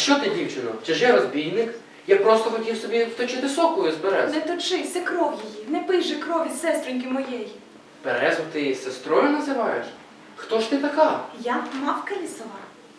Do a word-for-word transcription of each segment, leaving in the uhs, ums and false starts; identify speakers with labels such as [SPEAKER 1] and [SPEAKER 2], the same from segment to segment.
[SPEAKER 1] що ти, дівчино? Чи ж я розбійник? Я просто хотів собі вточити сокою з берез.
[SPEAKER 2] Не точи, це кров її. Не пий же крові сестреньки моєї.
[SPEAKER 1] Березу ти сестрою називаєш? Хто ж ти така?
[SPEAKER 2] Я мавка лісова.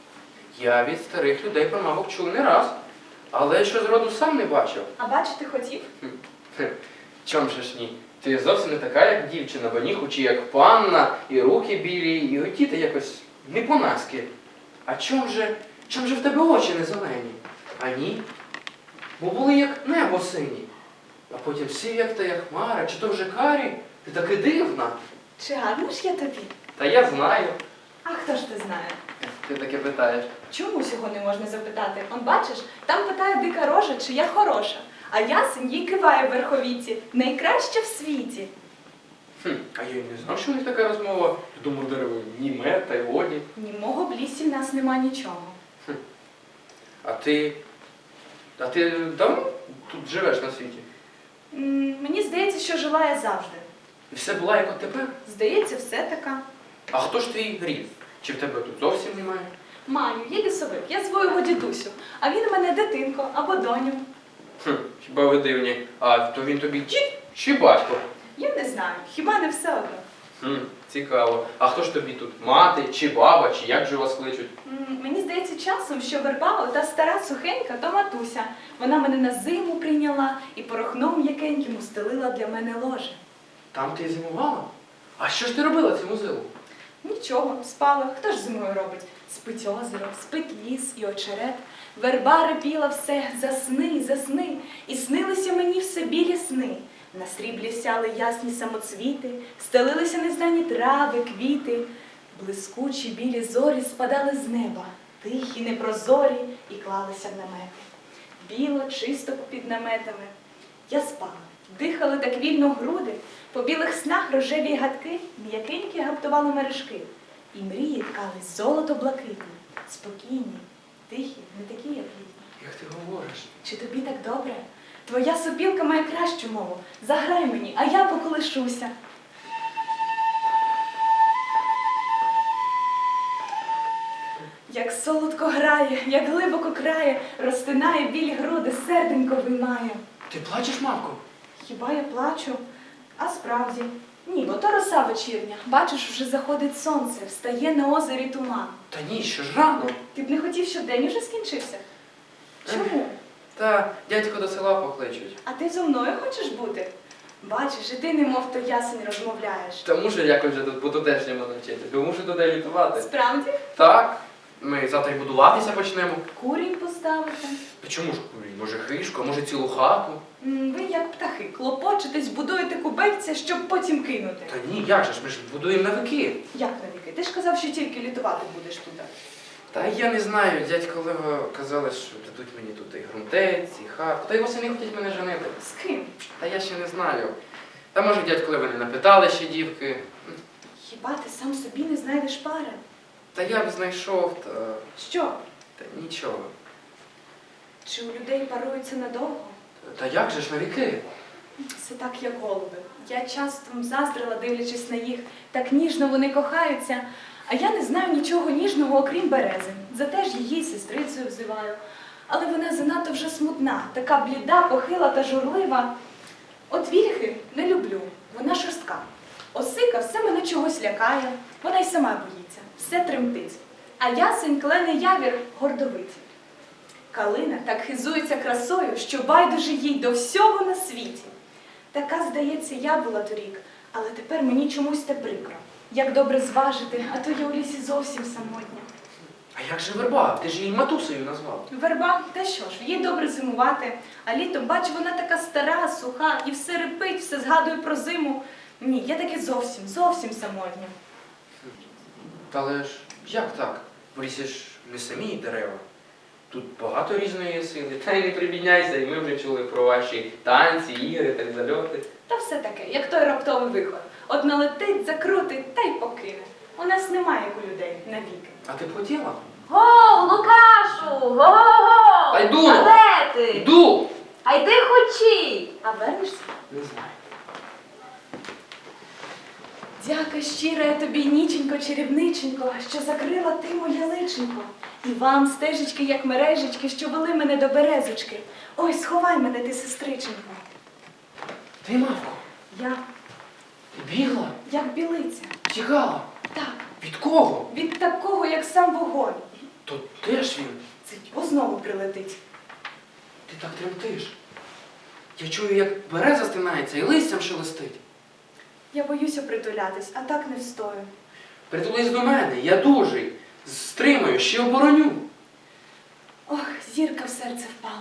[SPEAKER 1] Я від старих людей про мавок чув не раз, але що зроду сам не бачив.
[SPEAKER 2] А бачити хотів?
[SPEAKER 1] Хм, чом же ж ні? Ти зовсім не така, як дівчина, бо ніхучі, як панна, і руки білі, і одіти якось не по-наськи. А чом же, чом же в тебе очі не зелені? А ні? Бо були як небо сині, а потім сів, як та як хмара, чи то вже карі, ти таки дивна.
[SPEAKER 2] Чи гарно ж я тобі?
[SPEAKER 1] Та я знаю.
[SPEAKER 2] А хто ж ти знає?
[SPEAKER 1] Ти таке питаєш.
[SPEAKER 2] Чому цього не можна запитати? Он бачиш, там питає дика рожа, чи я хороша. А ясень їй киває в верховіці. Найкраща в світі.
[SPEAKER 1] Хм, а я й не знав, що у них така розмова. Я думав, дерево німе, та й годі.
[SPEAKER 2] Німого в лісі в нас нема нічого.
[SPEAKER 1] Хм. А ти... А ти давно тут живеш на світі?
[SPEAKER 2] М, мені здається, що жила я завжди.
[SPEAKER 1] І все була, як от тепер?
[SPEAKER 2] Здається, все така.
[SPEAKER 1] А хто ж твій рід? Чи в тебе тут зовсім немає?
[SPEAKER 2] Маю, є лісовик, я зву його дідусю, а він мене дитинко або доню.
[SPEAKER 1] Хм, хіба ви дивні. А то він тобі дід чи батько?
[SPEAKER 2] Я не знаю, хіба не все одно.
[SPEAKER 1] Хм, цікаво. А хто ж тобі тут? Мати, чи баба, чи як же вас кличуть?
[SPEAKER 2] М, Мені здається часом, що верба, ота стара сухенька, то матуся. Вона мене на зиму прийняла і порохном м'якеньким устелила для мене ложе.
[SPEAKER 1] Там ти зимувала? А що ж ти робила цю зиму?
[SPEAKER 2] Нічого, спала. Хто ж зимою робить? Спить озеро, спить ліс і очерет. Верба репіла все, засни, засни. І снилися мені все білі сни. На сріблі сяли ясні самоцвіти, стелилися незнані трави, квіти. Блискучі білі зорі спадали з неба, тихі, непрозорі, і клалися в намети. Біло, чисто під наметами. Я спала, дихали так вільно груди, по білих снах рожеві гадки, м'якенькі гаптували мережки. І мрії ткались золото-блакитні, спокійні, тихі, не такі, як літні.
[SPEAKER 1] Як ти говориш?
[SPEAKER 2] Чи тобі так добре? Твоя сопілка має кращу мову. Заграй мені, а я поколишуся. Як солодко грає, як глибоко крає, розтинає білі груди, серденько виймає.
[SPEAKER 1] Ти плачеш, мавко?
[SPEAKER 2] Хіба я плачу? А справді. Ні, бо то роса вечірня. Бачиш, вже заходить сонце, встає на озері туман.
[SPEAKER 1] Та ні, що ж рано.
[SPEAKER 2] Ти б не хотів, щоб день уже скінчився? Чому?
[SPEAKER 1] Та дядько до села покличуть.
[SPEAKER 2] А ти зо мною хочеш бути? Бачиш, і ти немов то ясень розмовляєш.
[SPEAKER 1] Та мушу якось вже тут по-тутешньому навчити, бо мушу туди літувати.
[SPEAKER 2] Справді?
[SPEAKER 1] Так, ми завтра й будуватися почнемо.
[SPEAKER 2] Курінь поставити.
[SPEAKER 1] Та чому ж курінь? Може хишку, а може цілу хату?
[SPEAKER 2] М, Ви, як птахи, клопочетесь, будуєте кубельця, щоб потім кинути.
[SPEAKER 1] Та ні, як же ж, ми ж будуємо на вики.
[SPEAKER 2] Як навіки? Ти ж казав, що тільки літувати будеш туди.
[SPEAKER 1] Та я не знаю, дядько Лево казали, що дадуть мені тут і грунтець, і хату. Та й восени хочуть мене женити.
[SPEAKER 2] З ким?
[SPEAKER 1] Та я ще не знаю. Та може дядько Лево не напитали ще дівки.
[SPEAKER 2] Хіба ти сам собі не знайдеш пари?
[SPEAKER 1] Та я б знайшов, та,
[SPEAKER 2] Що?
[SPEAKER 1] та нічого.
[SPEAKER 2] Чи у людей паруються надовго?
[SPEAKER 1] Та як же ж на віки?
[SPEAKER 2] Це так, як голуби. Я часто заздрила, дивлячись на їх. Так ніжно вони кохаються. А я не знаю нічого ніжного, окрім берези. Зате ж її сестрицею взиваю. Але вона занадто вже смутна, така бліда, похила та журлива. От вільхи не люблю, вона шорстка. Осика все мене чогось лякає, вона й сама боїться, все тремтить. А ясень, клен і явір гордовиті. Калина так хизується красою, що байдуже їй до всього на світі. Така, здається, я була торік, але тепер мені чомусь те прикро. Як добре зважити, а то я у лісі зовсім самотня.
[SPEAKER 1] А як же верба? Ти ж її матусею назвав.
[SPEAKER 2] Верба, та що ж, їй добре зимувати, а літом, бач, вона така стара, суха, і все репить, все згадує про зиму. Ні, я таки зовсім, зовсім самотня.
[SPEAKER 1] Та але ж як так? В лісі ж не самі дерева. Тут багато різної сили. Та й не прибідняйся, і ми вже чули про ваші танці, ігри та зальоти.
[SPEAKER 2] Та все таке, як той раптовий вихор. От налетить, закрутить та й покине. У нас немає, як у людей, навіки.
[SPEAKER 1] А ти б хотіла?
[SPEAKER 3] Го, Лукашу! Го-го-го!
[SPEAKER 1] Та йду!
[SPEAKER 3] А де ти?
[SPEAKER 1] Йду!
[SPEAKER 3] А йди хочі!
[SPEAKER 2] А вернешся?
[SPEAKER 1] Не знаю.
[SPEAKER 2] Дяка щира я тобі, ніченько, чарівниченько, що закрила ти моє личенько. І вам стежечки, як мережечки, що вели мене до березочки. Ой, сховай мене, ти, сестриченько.
[SPEAKER 1] Ти, мавко,
[SPEAKER 2] Я,
[SPEAKER 1] ти бігла,
[SPEAKER 2] як білиця.
[SPEAKER 1] тікала.
[SPEAKER 2] Так,
[SPEAKER 1] Від кого?
[SPEAKER 2] від такого, як сам вогонь.
[SPEAKER 1] То де ж він?
[SPEAKER 2] Цить, бо знову прилетить.
[SPEAKER 1] Ти так тремтиш. Я чую, як береза стинається і листям шелестить.
[SPEAKER 2] Я боюся притулятись, а так не встою.
[SPEAKER 1] Притулись до мене, я дужий. Стримаю, ще обороню.
[SPEAKER 2] Ох, зірка в серце впала.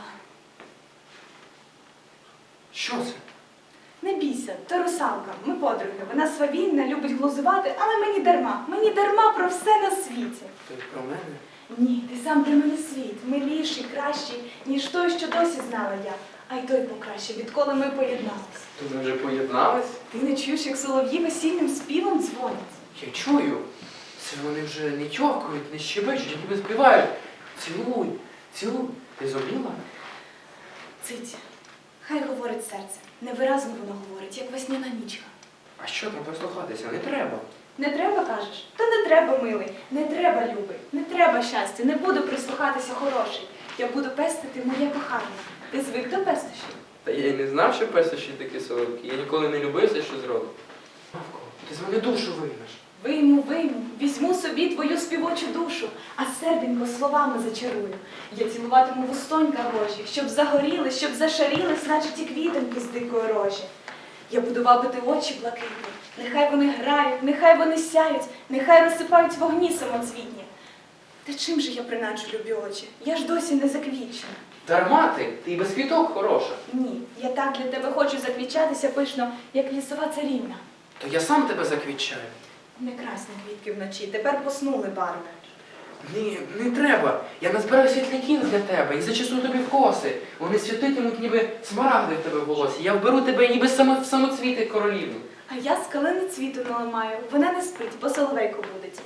[SPEAKER 1] Що це?
[SPEAKER 2] Не бійся, то русалка, ми подруги. Вона свавільна, любить глузувати, але мені дарма. Мені дарма про все на світі.
[SPEAKER 1] Ти про мене?
[SPEAKER 2] Ні, ти сам для мене світ, миліший, кращий, ніж той, що досі знала я. А й той покраще, відколи ми поєдналися.
[SPEAKER 1] То ми вже поєднались?
[SPEAKER 2] Ти не чуєш, як солов'ї весільним співом дзвонять?
[SPEAKER 1] Я чую. Це вони вже не тьовкають, не щебечуть, а ніби співають. Цілуй, цілуй. Ти зуміла?
[SPEAKER 2] Цить, хай говорить серце. Невиразно воно говорить, як весняна нічка.
[SPEAKER 1] А що там послухатися? Не треба.
[SPEAKER 2] Не треба, кажеш? Та не треба, милий, не треба, любий, не треба щастя, не буду прислухатися хороший. Я буду пестити моє кохання. Ти звик до пестощів?
[SPEAKER 1] Та я й не знав, що песощі такі солодкі. Я ніколи не любив все, що зроду. Мавко, ти з мене душу виймеш.
[SPEAKER 2] Вийму, вийму, візьму собі твою співочу душу, а серденько словами зачарую. Я цілуватиму вустонька рожі, щоб загоріли, щоб зашарілись, наче ті квітоньки з дикої рожі. Я буду вабити очі блакитні, нехай вони грають, нехай вони сяють, нехай розсипають вогні самоцвітні. Та чим же я принаджу любі очі? Я ж досі не заквічена.
[SPEAKER 1] Дарма ти, ти і без квіток хороша.
[SPEAKER 2] Ні, я так для тебе хочу заквічатися пишно, як лісова царівна.
[SPEAKER 1] То я сам тебе заквітчаю.
[SPEAKER 2] Не красні квітки вночі, тепер поснули барви.
[SPEAKER 1] Ні, не треба. Я назбираю світляків для тебе і зачесу тобі в коси. Вони світитимуть, ніби смарагди в тебе в волосі. Я вберу тебе ніби само, самоцвіти королівну.
[SPEAKER 2] А я з калини цвіту наламаю. Вона не спить, бо соловейко будить.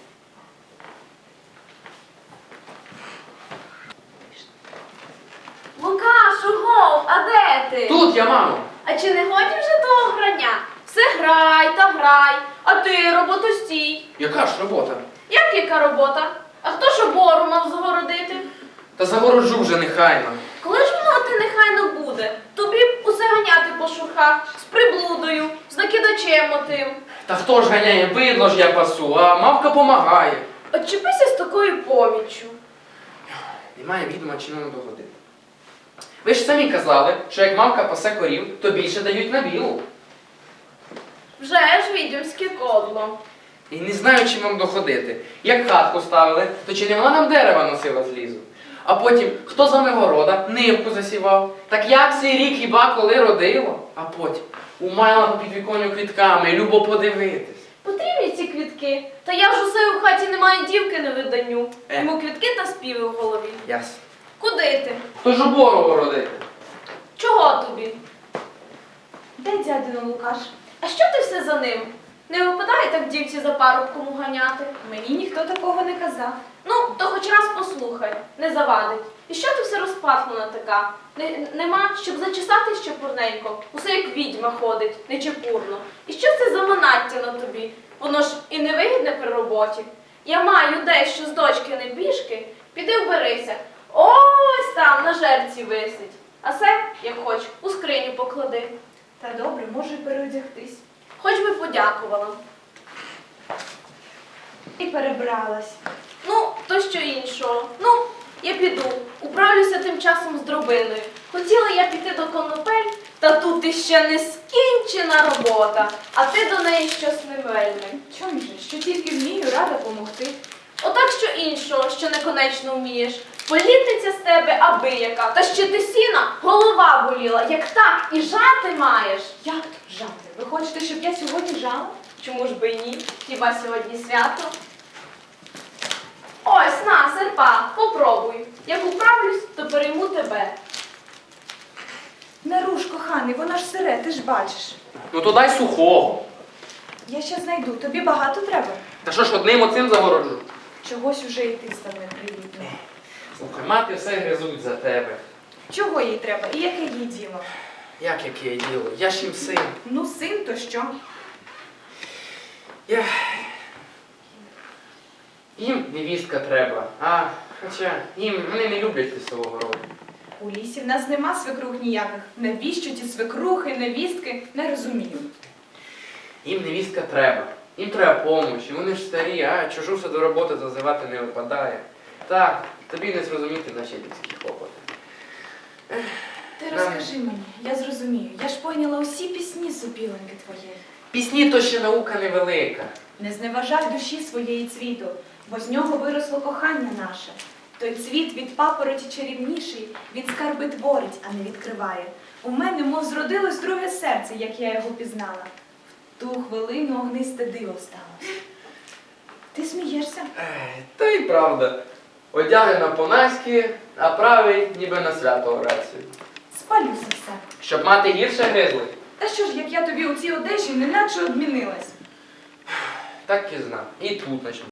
[SPEAKER 3] Лукашу, гов, а де ти?
[SPEAKER 1] Тут я, мамо.
[SPEAKER 3] А чи не годі вже того грання? Все грай та грай, а ти роботу стій.
[SPEAKER 1] Яка ж робота?
[SPEAKER 3] Як яка робота? А хто ж обору мав загородити?
[SPEAKER 1] Та загороджу вже нехайно.
[SPEAKER 3] Коли ж воно ти нехайно буде? Тобі б усе ганяти по шурхах, з приблудою, з накидачем отим.
[SPEAKER 1] Та хто ж ганяє, бидло ж я пасу, а мавка помагає.
[SPEAKER 3] Отчепися з такою поміччю.
[SPEAKER 1] Немає відома, чи нам догодити. Ви ж самі казали, що як мавка пасе корів, то більше дають на білу.
[SPEAKER 3] Вже ж відьомське кодло.
[SPEAKER 1] І не знаю, чим вам доходити. Як хатку ставили, то чи не вона нам дерева носила з лісу? А потім, хто з вами города, нивку засівав? Так як цей рік хіба коли родило? А потім, умайла по підвіконню квітками, любо подивитись.
[SPEAKER 3] Потрібні ці квітки. Та я ж усе у хаті немає дівки на виданню.
[SPEAKER 1] Е.
[SPEAKER 3] Йому квітки та співи в голові.
[SPEAKER 1] Ясно.
[SPEAKER 3] Куди ти?
[SPEAKER 1] Хто ж обору городити?
[SPEAKER 3] Чого тобі?
[SPEAKER 2] Де дядино Лукаш?
[SPEAKER 3] А що ти все за ним? Не випадає так дівці за парубком уганяти?
[SPEAKER 2] Мені ніхто такого не казав.
[SPEAKER 3] Ну, то хоч раз послухай, не завадить. І що ти все розпахнула така? Не, нема, щоб зачесати ще пурненько, усе як відьма ходить, нечепурно. І що це за манаття на тобі? Воно ж і невигідне при роботі. Я маю дещо з дочки небіжки, піди вберися. Ось там на жерці висить. А се, як хоч, у скриню поклади.
[SPEAKER 2] Та добре, можу й переодягтись.
[SPEAKER 3] Хоч би подякувала.
[SPEAKER 2] І перебралась.
[SPEAKER 3] Ну, то що іншого. Ну, я піду. Управлюся тим часом з дробиною. Хотіла я піти до конопель, та тут іще не скінчена робота, а ти до неї щось не вельми.
[SPEAKER 2] Чом же, що тільки вмію, рада помогти.
[SPEAKER 3] Отак що іншого, що неконечно вмієш. Політниця з тебе аби яка, та ще ти сіна, голова боліла, як так і жати маєш.
[SPEAKER 2] Як то жати? Ви хочете, щоб я сьогодні жала?
[SPEAKER 3] Чому ж би і ні? Хіба сьогодні свято? Ось, на, серпа, попробуй. Як управлюсь, то перейму тебе.
[SPEAKER 2] Не руш, коханий, воно ж сире, ти ж бачиш.
[SPEAKER 1] Ну то дай сухого.
[SPEAKER 2] Я ще знайду, тобі багато треба.
[SPEAKER 1] Та що ж одним оцим загороджу?
[SPEAKER 2] Чогось уже і ти став непривітним.
[SPEAKER 1] Слухай, мати все гризуть за тебе.
[SPEAKER 2] Чого їй треба і яке їй діло?
[SPEAKER 1] Як яке діло? Я ж їм син.
[SPEAKER 2] Ну, син, то що?
[SPEAKER 1] Я... Їм невістка треба, а хоча їм вони не люблять лісового роду.
[SPEAKER 2] У лісі в нас нема свекрух ніяких. Навіщо ті свекрухи, невістки? Не розумію.
[SPEAKER 1] Їм невістка треба. Їм треба помочі, вони ж старі, а чужу до роботи зазивати не випадає. Так, тобі не зрозуміти наші людські хлопоти.
[SPEAKER 2] Ти
[SPEAKER 1] Нам-
[SPEAKER 2] розкажи мені, я зрозумію. Я ж поняла усі пісні сопіленьки твоєї.
[SPEAKER 1] Пісні то ще наука невелика.
[SPEAKER 2] Не зневажай душі своєї цвіту, бо з нього виросло кохання наше. Той цвіт від папороті чарівніший, від скарби творить, а не відкриває. У мене, мов зродилось друге серце, як я його пізнала. В ту хвилину огнисте диво сталося. Ти смієшся?
[SPEAKER 1] Ех, Та й правда. Одягнена по-наськи, а правий ніби на свято Орацію.
[SPEAKER 2] Спалюся все.
[SPEAKER 1] Щоб мати гірше гризли.
[SPEAKER 2] Та що ж, як я тобі у цій одежі неначе одмінилась?
[SPEAKER 1] Так і знав. І тут начну.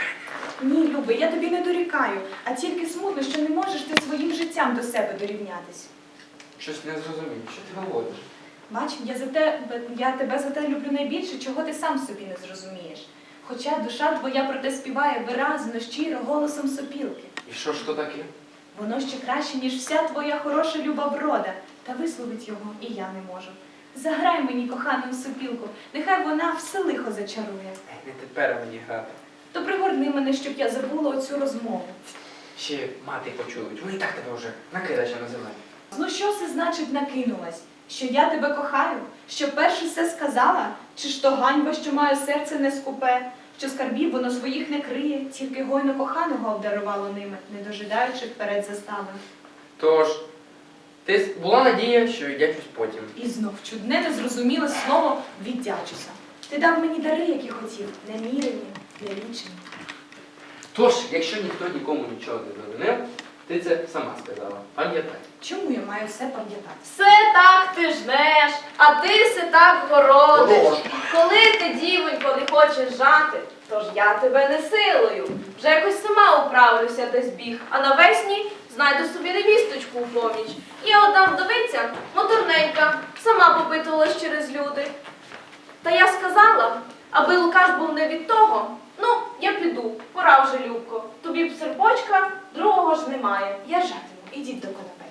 [SPEAKER 2] Ні, Люби, я тобі не дорікаю, а тільки смутно, що не можеш ти своїм життям до себе дорівнятись.
[SPEAKER 1] Щось не зрозумів. Що ти говориш?
[SPEAKER 2] Бач, я, за те, я тебе за те люблю найбільше, чого ти сам собі не зрозумієш. Хоча душа твоя про те співає виразно, щиро, голосом сопілки.
[SPEAKER 1] І що ж то таке?
[SPEAKER 2] Воно ще краще, ніж вся твоя хороша люба врода, та висловить його і я не можу. Заграй мені, кохану сопілку, нехай вона все лихо зачарує.
[SPEAKER 1] Ех, Не тепер мені грати.
[SPEAKER 2] То пригорни мене, щоб я забула оцю розмову.
[SPEAKER 1] Ще мати почують. Вони і так тебе вже накидача називають.
[SPEAKER 2] Ну що це значить накинулась? Що я тебе кохаю? Що перше все сказала? Чи ж то ганьба, що маю серце не скупе? Що скарбів воно своїх не криє, тільки гойно коханого обдарувало ними, не дожидаючи вперед застави.
[SPEAKER 1] Тож, ти с- була надія, що віддячусь потім.
[SPEAKER 2] І знов чудне незрозуміле слово «віддячуся». Ти дав мені дари, які хотів, немірені, нелічені.
[SPEAKER 1] Тож, якщо ніхто нікому нічого не завинив, ти це сама сказала. Пам'ятай.
[SPEAKER 2] Чому я маю все пам'ятати?
[SPEAKER 3] Все так ти жнеш, а ти все так городиш.
[SPEAKER 1] Хорош.
[SPEAKER 3] Коли ти, дівонько, не хочеш жати, то ж я тебе не силою. Вже якось сама управлюся десь біг, а навесні знайду собі невісточку у поміч. Є одна вдовиця, моторненька, сама попитувалась через люди. Та я сказала, аби Лукаш був не від того, ну, я піду, пора вже, Любко. Тобі б серпочка, другого ж немає.
[SPEAKER 2] Я жатиму, ідіть до конопель.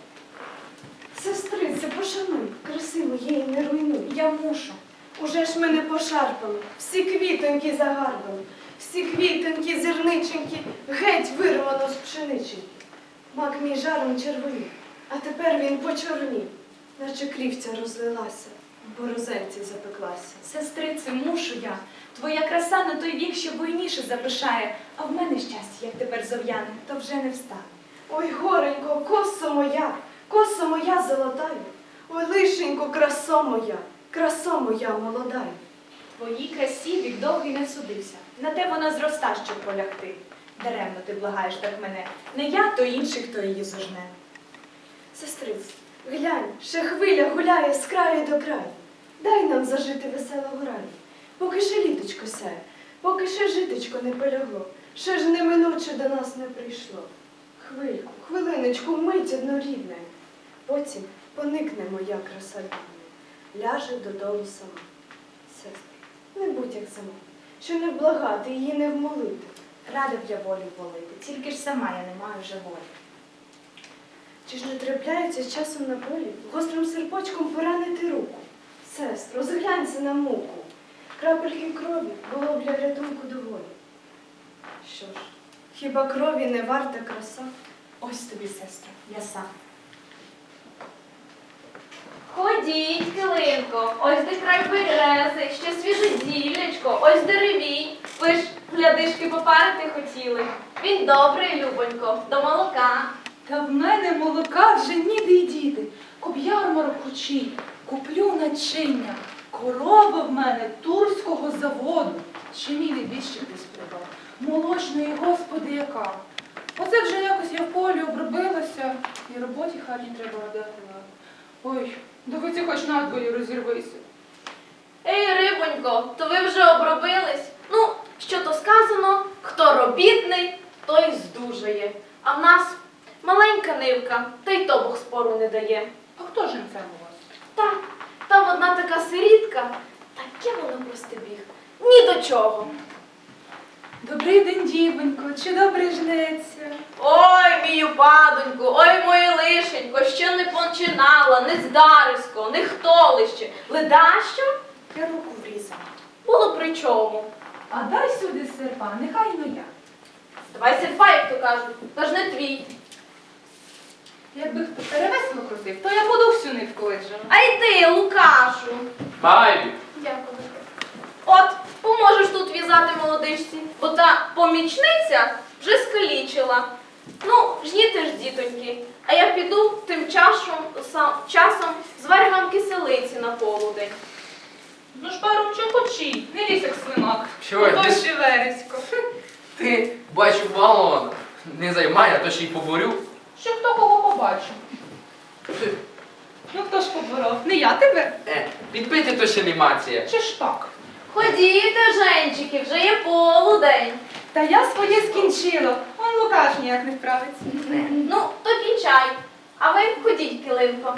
[SPEAKER 4] Сестрице, пошануй, краси моєї не руйнуй.
[SPEAKER 2] Я мушу.
[SPEAKER 4] Уже ж мене пошарпали, всі квітоньки загарбали, всі квітоньки, зірниченьки, геть вирвано з пшениченьки. Мак мій жаром червонів, а тепер він почорнів, наче крівця розлилася, в борозенці запеклася.
[SPEAKER 2] Сестрице, мушу я. Твоя краса на той вік, що буйніше запишає, а в мене щастя, як тепер зов'яне, то вже не встане.
[SPEAKER 4] Ой, горенько, косо моя, косо моя золотаю, ой, лишенько, красо моя, красо моя молодаю.
[SPEAKER 2] Твоїй красі вік довгий не судився. На те вона зроста, щоб полягти. Даремно ти благаєш так мене. Не я, то інший, хто її зожне.
[SPEAKER 4] Сестриць, глянь, ще хвиля гуляє з краю до краю. Дай нам зажити веселого раю. Поки ще літочко сяє, поки ще житочко не полягло, ще ж неминуче до нас не прийшло. Хвильку, хвилиночку, мить однорідне. Потім поникне моя краса рідна, ляже додолу сама. Сестри, не будь як сама, що не вблагати її не вмолити.
[SPEAKER 2] Рада б я волю волити, тільки ж сама я не маю вже волі.
[SPEAKER 4] Чи ж не трапляється з часом на полі гострим серпочком поранити руку? Сестро, зглянься на муку. Крапельки крові було б для рятунку доволі. Що ж, хіба крові не варта краса?
[SPEAKER 2] Ось тобі, сестро, я сам.
[SPEAKER 3] Ходіть, килинко, ось де край берези, ще свіже зіллячко, ось деревій. Ви ж глядишки попарити хотіли. Він добрий, любонько, до молока.
[SPEAKER 2] Та в мене молока вже ніде й діти. Коб ярмарок учий, куплю начиння. Корова в мене турського заводу. Ще мій небіжчик десь придбав. Молочної, господи, яка. Оце вже якось я в полі обробилася, і роботі хатній треба дати. Ой, доходи хоч надвоє розірвися.
[SPEAKER 3] Ей, рибонько, то ви вже обробились? Ну, що то сказано, хто робітний, той здужає. А в нас маленька нивка, та й то Бог спору не дає.
[SPEAKER 2] А хто ж це у вас?
[SPEAKER 3] Та, там одна така сирітка, таке воно прости біг. Ні ні до чого.
[SPEAKER 2] Добрий день, дівонько, чи добре жнеться?
[SPEAKER 3] Ой, мію падоньку, ой, моє лишенько, ще не починала, не здарисько, не хтолище. Ледащо?
[SPEAKER 2] Я руку врізала.
[SPEAKER 3] Було при чому.
[SPEAKER 2] А дай сюди серпа, нехай ну я.
[SPEAKER 3] Давай серпа, як то кажуть, та ж не твій.
[SPEAKER 2] Якби хто перевесло крутив, то я буду всю нитку виджала.
[SPEAKER 3] А й ти, Лукашу.
[SPEAKER 1] Байбі,
[SPEAKER 2] Дякую.
[SPEAKER 3] От, поможеш тут в'язати молодичці, бо та помічниця вже скалічила. Ну, жніте ж, дітоньки, а я піду тим часом, сам, часом зварю вам киселиці на полудень.
[SPEAKER 2] Ну ж пару чопочі, не лізь як свинок.
[SPEAKER 1] Чого?
[SPEAKER 2] Ото
[SPEAKER 1] Ти-
[SPEAKER 2] ще вересько.
[SPEAKER 1] ти, бачу, балована. Не займай, а то ще й поборю.
[SPEAKER 2] Що хто кого побачив? Ну хто ж поборов? Не я тебе?
[SPEAKER 1] Е, підпити то ще не мація.
[SPEAKER 2] Чи ж так?
[SPEAKER 3] Ходіте, женчики, вже є полудень.
[SPEAKER 2] Та я своє скінчила. Он Лукаш ніяк не вправиться.
[SPEAKER 3] Ну, то кінчай. А ви ходіть, килимко.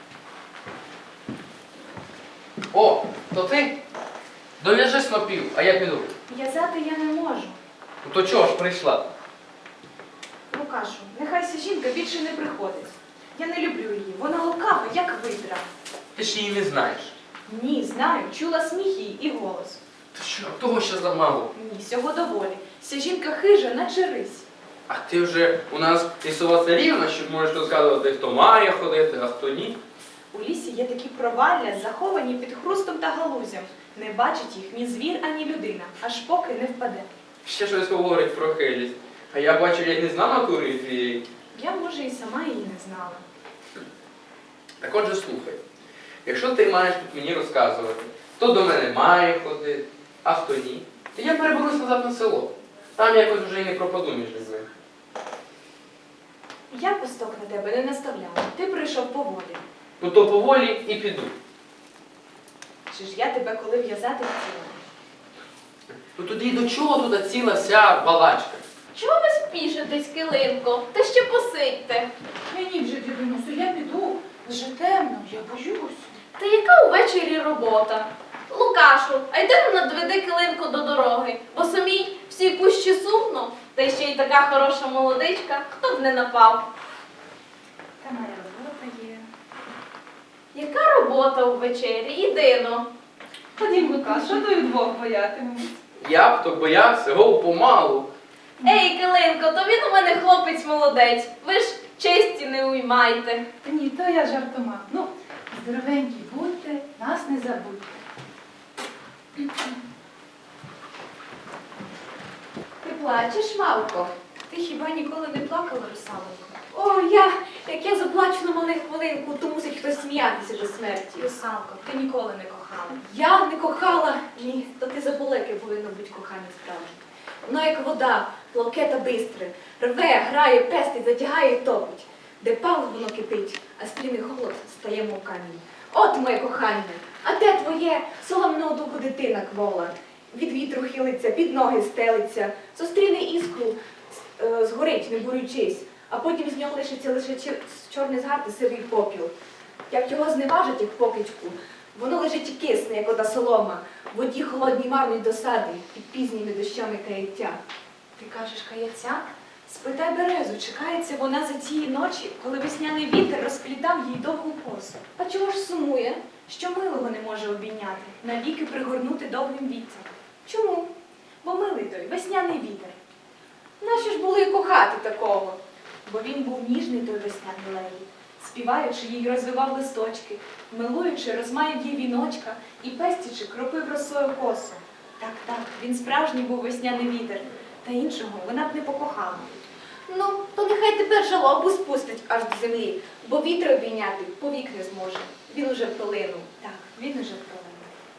[SPEAKER 1] О, то ти? Дов'яжи снопів, а я піду.
[SPEAKER 2] В'язати я не можу.
[SPEAKER 1] Ну то чого ж прийшла?
[SPEAKER 2] Лукашу, нехай ця жінка більше не приходить. Я не люблю її. Вона лукава, як видра.
[SPEAKER 1] Ти ж її не знаєш.
[SPEAKER 2] Ні, знаю, чула сміх її і голос.
[SPEAKER 1] Та що, того ще замало.
[SPEAKER 2] Ні, всього доволі. Ця жінка хижа, наче рись.
[SPEAKER 1] А ти вже у нас лісова царівна, що можеш розказувати, хто має ходити, а хто ні.
[SPEAKER 2] У лісі є такі провалля, заховані під хрустом та галузям. Не бачить їх ні звір, ані людина, аж поки не впаде.
[SPEAKER 1] Ще щось говорить про хилість. А я бачу, я не знав натури твієї.
[SPEAKER 2] Я, може, і сама її не знала.
[SPEAKER 1] Так отже, слухай. Якщо ти маєш тут мені розказувати, хто до мене має ходити, а хто ні, то я переберусь назад на село. Там якось вже і не пропаду між людьми.
[SPEAKER 2] Я пусток на тебе не наставляла. Ти прийшов поволі.
[SPEAKER 1] Ну то поволі і піду.
[SPEAKER 2] Чи ж я тебе коли в'язати хотіла?
[SPEAKER 1] Ну тоді до чого туди ціла вся балачка?
[SPEAKER 3] Чого ви спішитесь, килимко? Та ще посидьте.
[SPEAKER 2] Мені вже, дідунусю, я піду. Вже темно, я боюсь.
[SPEAKER 3] Та яка увечері робота? Лукашу, а йди ну надведи килимку до дороги, бо самій всій пущі сумно, та й ще й така хороша молодичка, хто б не напав.
[SPEAKER 2] Та моя робота є.
[SPEAKER 3] Яка робота увечері? Ідино.
[SPEAKER 2] Ходім, Лукаш, що то вдвох боятимемось?
[SPEAKER 1] Я б то боявся, гов помалу.
[SPEAKER 3] Ей, килимко, то він у мене хлопець молодець. Ви ж честі не уймайте.
[SPEAKER 2] Та ні, то я жартома. Ну, здоровенькі будьте, нас не забудьте.
[SPEAKER 4] Ти плачеш, Мавко?
[SPEAKER 2] Ти хіба ніколи не плакала, русалонько?
[SPEAKER 4] О, я, як я заплачу на малих хвилинку, то мусить хтось сміятися до смерті.
[SPEAKER 2] Русалко, ти ніколи не кохала.
[SPEAKER 4] Я не кохала. Ні, то ти забула, яке повинно бути кохання справжнє. Воно як вода, плавке та бистре, рве, грає, пестить, затягає і топить. Де палить, воно кипить, а стрімний холод стає мов камінь. От моє кохання, а де твоє соломного духу дитина квола? Від вітру хилиться, під ноги стелиться, зустріне іскру, е, згорить, не борючись, а потім з нього лишиться лише чер- чорний згар та сивий попіл. Як його зневажить, як покидьку, воно лежить і кисне, як ота солома, в воді холодній марної досади, під пізніми дощами каяття.
[SPEAKER 2] Ти кажеш каяця? Спитай березу, чекається вона за тієї ночі, коли весняний вітер розплітав їй довгу косу.
[SPEAKER 4] А чого ж сумує?
[SPEAKER 2] Що милого не може обійняти, навіки пригорнути довгим вітром.
[SPEAKER 4] Чому?
[SPEAKER 2] Бо милий той, весняний вітер.
[SPEAKER 4] Наші ж були і кохати такого.
[SPEAKER 2] Бо він був ніжний той весняний лелій, співаючи їй розвивав листочки, милуючи, розмаяв їй віночка і пестячи, кропив росою косу. Так, так, він справжній був весняний вітер, та іншого вона б не покохала.
[SPEAKER 4] Ну, то нехай тепер жалобу спустить аж до землі, бо вітер обійняти повік не зможе. Він уже пролинув.
[SPEAKER 2] Так, він уже пролинув.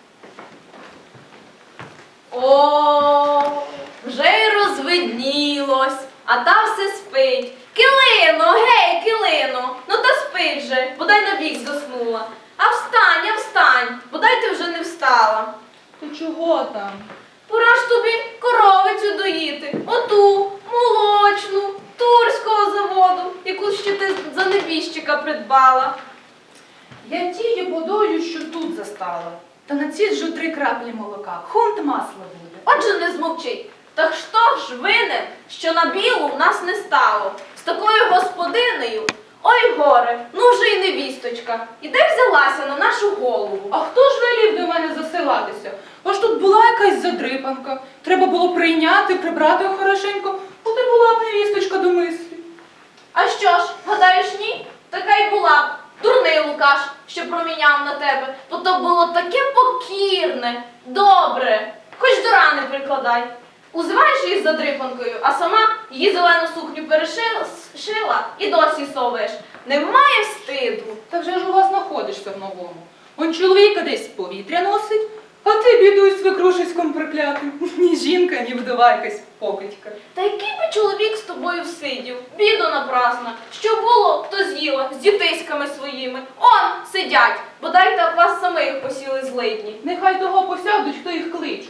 [SPEAKER 3] О, вже й розвиднілось, а та все спить. Килино, гей, килино, ну та спить же, бодай набік заснула. А встань, а встань, бодай ти вже не встала.
[SPEAKER 2] То чого там?
[SPEAKER 3] Пора ж тобі коровицю доїти, оту, молочну, турського заводу, яку ще ти за небіжчика придбала.
[SPEAKER 2] Я тіє подою, що тут за
[SPEAKER 5] стала. Та націджу три краплі молока, хунт масла буде.
[SPEAKER 3] Отже, не змовчи. Та хто ж винен, що на білу в нас не стало? З такою господинею? Ой, горе, ну вже й невісточка. І де взялася на нашу голову?
[SPEAKER 5] А хто ж велів до мене засилатися? Аж тут була якась задрипанка. Треба було прийняти, прибрати хорошенько, от і була б невісточка до мислі.
[SPEAKER 3] А що ж, гадаєш, ні? Така й була б. Дурний Лукаш, що проміняв на тебе. Бо то було таке покірне, добре. Хоч до рани прикладай. Узиваєш її з задрипанкою, а сама її зелену сукню перешила і досі соваєш. Немає стиду.
[SPEAKER 5] Та вже ж у вас знаходишся в новому. Он чоловіка десь з повітря носить, а ти бідуй свекрушиськом проклятим. Ні жінка, ні вдова якась покидька.
[SPEAKER 3] Та який би чоловік з тобою всидів? Біду напрасна. Що було, то з'їла з дітиськами своїми. Он сидять, бодай та вас самих посіли злидні.
[SPEAKER 5] Нехай того посядуть, хто їх кличуть.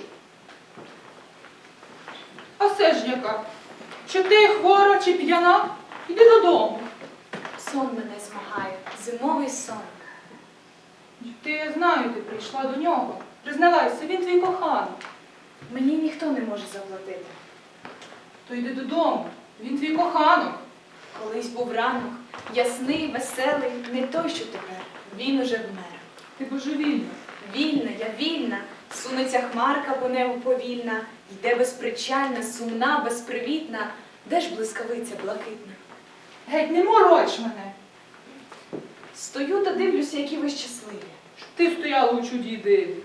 [SPEAKER 5] А все ж яка? Чи ти хвора, чи п'яна? Іди додому.
[SPEAKER 2] Сон мене змагає, зимовий сон.
[SPEAKER 5] Ти, я знаю, ти прийшла до нього. Признавайся, він твій коханий.
[SPEAKER 2] Мені ніхто не може заплатити.
[SPEAKER 5] То йди додому, він твій коханок.
[SPEAKER 2] Колись був ранок, ясний, веселий, не той, що тепер. Він уже вмер.
[SPEAKER 5] Ти божевільна.
[SPEAKER 2] Вільна, я вільна, сунеться хмарка по небу повільна, йде безпричальна, сумна, безпривітна, де ж блискавиця блакитна?
[SPEAKER 5] Геть, не мороч мене.
[SPEAKER 2] Стою та дивлюся, які ви щасливі.
[SPEAKER 5] Щоб ти стояла у чуді диві.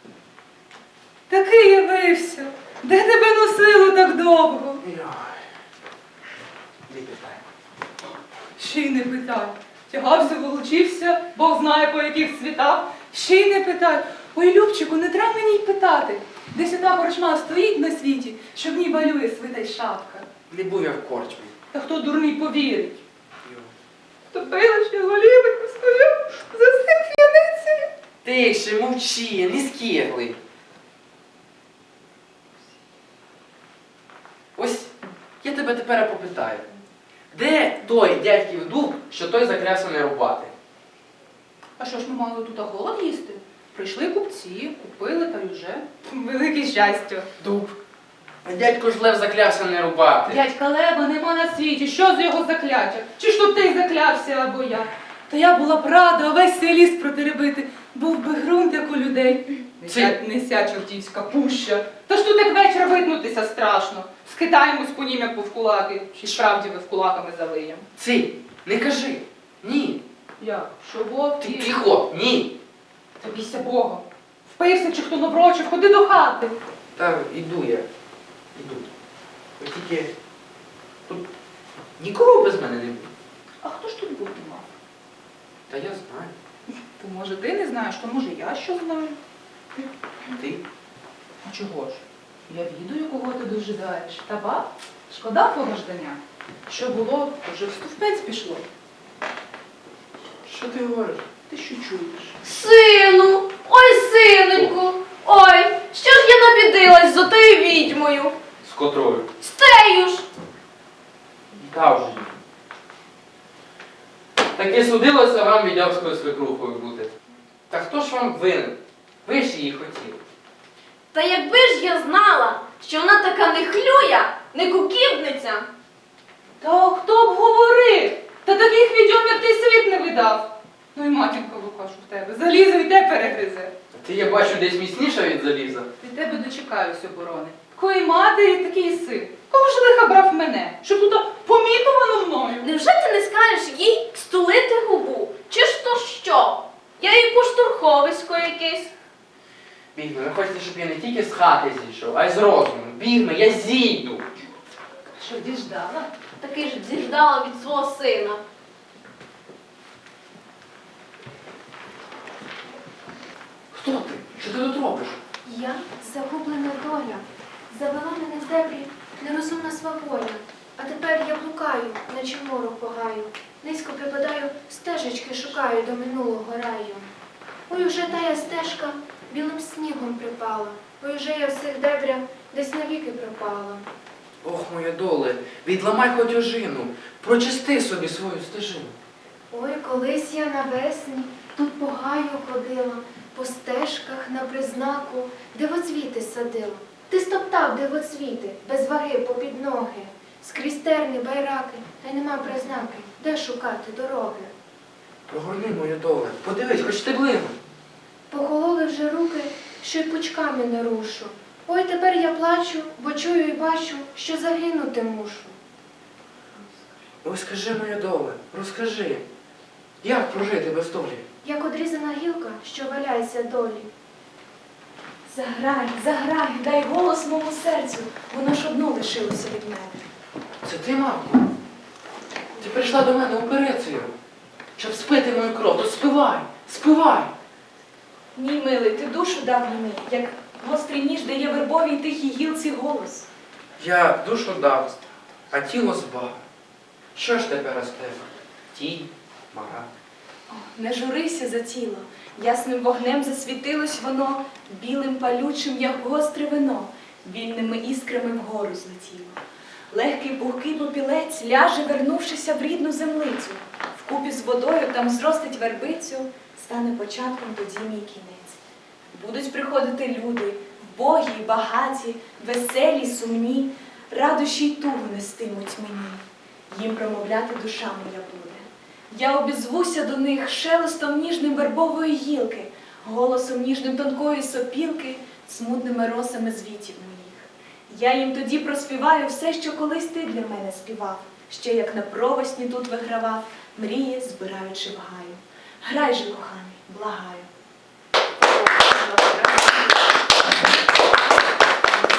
[SPEAKER 5] Такий явився. Де тебе носило так довго?
[SPEAKER 1] Ой. Не питай.
[SPEAKER 5] Ще й не питай. Тягався, волочився, Бог знає по яких світах. Ще й не питай. Ой, Любчику, не треба мені й питати. Десь одна корчма стоїть на світі, що в ній балює свита й шапка.
[SPEAKER 1] Не був я в корчмі.
[SPEAKER 5] Та хто дурний повірить?
[SPEAKER 1] Йо.
[SPEAKER 5] Топила, що голівенько стою за цим п'яницею.
[SPEAKER 1] Тише, мовчи, не скиглий. Ось я тебе тепер попитаю. Де той дядьків дуб, що той заклявся не рубати?
[SPEAKER 5] А що ж ми мали тут голод їсти? Прийшли купці, купили та й уже. Велике щастя.
[SPEAKER 1] Дуб. А дядько ж лев заклявся не рубати.
[SPEAKER 5] Дядька Лева нема на світі, що з його закляття? Чи ж тут ти заклявся або я? Та я була б рада увесь цей ліс протеребити, був би ґрунт, як у людей.
[SPEAKER 1] Ці-
[SPEAKER 5] Неся чортівська пуща. Та ж тут як вечір виднутися страшно. Скитаємось по нім, як повкулаки, чи справді ми вкулаками залиєм.
[SPEAKER 1] Ци, не кажи. Ні.
[SPEAKER 5] Як? Що Бог?
[SPEAKER 1] Ти тихо, ні.
[SPEAKER 5] Та бійся Бога. Впився чи хто наврочив, ходи до хати.
[SPEAKER 1] Та іду я. Іду. От тільки тут нікого без мене не буде.
[SPEAKER 5] А хто ж тут бути мав?
[SPEAKER 1] Та я знаю.
[SPEAKER 5] То може ти не знаєш, то може я що знаю.
[SPEAKER 1] Ти?
[SPEAKER 5] А чого ж? Я відаю, кого ти дожидаєш. Та ба, шкода твого ждання. Що було, то вже в стовпець пішло.
[SPEAKER 1] Що ти говориш?
[SPEAKER 5] Ти що чуєш?
[SPEAKER 3] Сину, ой, синеньку, ой, що ж я набідилась за тою відьмою?
[SPEAKER 1] З котрою?
[SPEAKER 3] З тею ж.
[SPEAKER 1] Та вже ні. Таки судилося вам відьовською свекрухою бути. Та хто ж вам винен? Ви ж її хотіли.
[SPEAKER 3] Та якби ж я знала, що вона така не хлюя, не куківниця.
[SPEAKER 5] Та хто б говорив? Та таких відьом, як ти, світ не видав. Ну і матінка Лукашу в тебе. Залізо й те перегризе.
[SPEAKER 1] Ти, я бачу, десь міцніша від заліза.
[SPEAKER 5] Від тебе дочекаюсь оборони. Такої матері, такий син. Кого ж лиха брав мене? Щоб тут помітувано мною?
[SPEAKER 3] Невже ти не скажеш їй стулити губу? Чи ж то що? Я їй поштурховисько якесь.
[SPEAKER 1] Бігме, ви хочете, щоб я не тільки з хати зійшов, а й з розуму. Бігме, я зійду.
[SPEAKER 5] Що діждала?
[SPEAKER 3] Таки ж зіждала від свого сина.
[SPEAKER 1] Хто ти? Що ти тут робиш?
[SPEAKER 4] Я загублена доля, завела мене в дебрі нерозумна сваволя. А тепер я блукаю, наче морок погаю. Низько припадаю, стежечки шукаю до минулого раю. Ой, уже тая стежка білим снігом припала. Ой, уже я в цих дебрях десь навіки пропала.
[SPEAKER 1] Ох, моя доле, відламай хоч ожину, прочисти собі свою стежину.
[SPEAKER 4] Ой, колись я навесні Тут по гаю ходила, по стежках на признаку, дивоцвіти садила. Ти стоптав дивоцвіти, без ваги попід ноги. Скрізь терни, байраки, та й нема признаки, де шукати дороги.
[SPEAKER 1] Прогорни мою доле, подивись, хоч стеблину.
[SPEAKER 4] Похололи вже руки, що й пучками не рушу. Ой, тепер я плачу, бо чую і бачу, що загинути мушу.
[SPEAKER 1] Ой, скажи, моя доле, розкажи, як прожити без долі?
[SPEAKER 4] Як одрізана гілка, що валяється долі.
[SPEAKER 2] Заграй, заграй, дай голос моєму серцю, воно ж одно лишилося від мене.
[SPEAKER 1] Це ти, мавко? Ти прийшла до мене операцію, щоб спити мою кров, то спивай, спивай.
[SPEAKER 2] Ні, милий, ти душу дав мені, як гострий ніж дає вербовій тихій гілці голос.
[SPEAKER 1] Я душу дав, а тіло збав. Що ж тепер з тебе? Тінь, мара.
[SPEAKER 2] О, не журися за тіло, ясним вогнем засвітилось воно, білим палючим, як гостре вино, вільними іскрами вгору злетіло. Легкий пухкий попілець ляже, вернувшися в рідну землицю. Вкупі з водою там зростить вербицю, стане початком тоді мій кінець. Будуть приходити люди, вбогі й багаті, веселі, сумні, радощі й тугу нестимуть мені. Їм промовляти душа моя буде. Я обізвуся до них шелестом ніжним вербової гілки, голосом ніжним тонкої сопілки, смутними росами звітів моїх. Я їм тоді проспіваю все, що колись ти для мене співав, ще як на провесні тут вигравав, мрії збираючи в гаю. Грай же, коханий, благаю.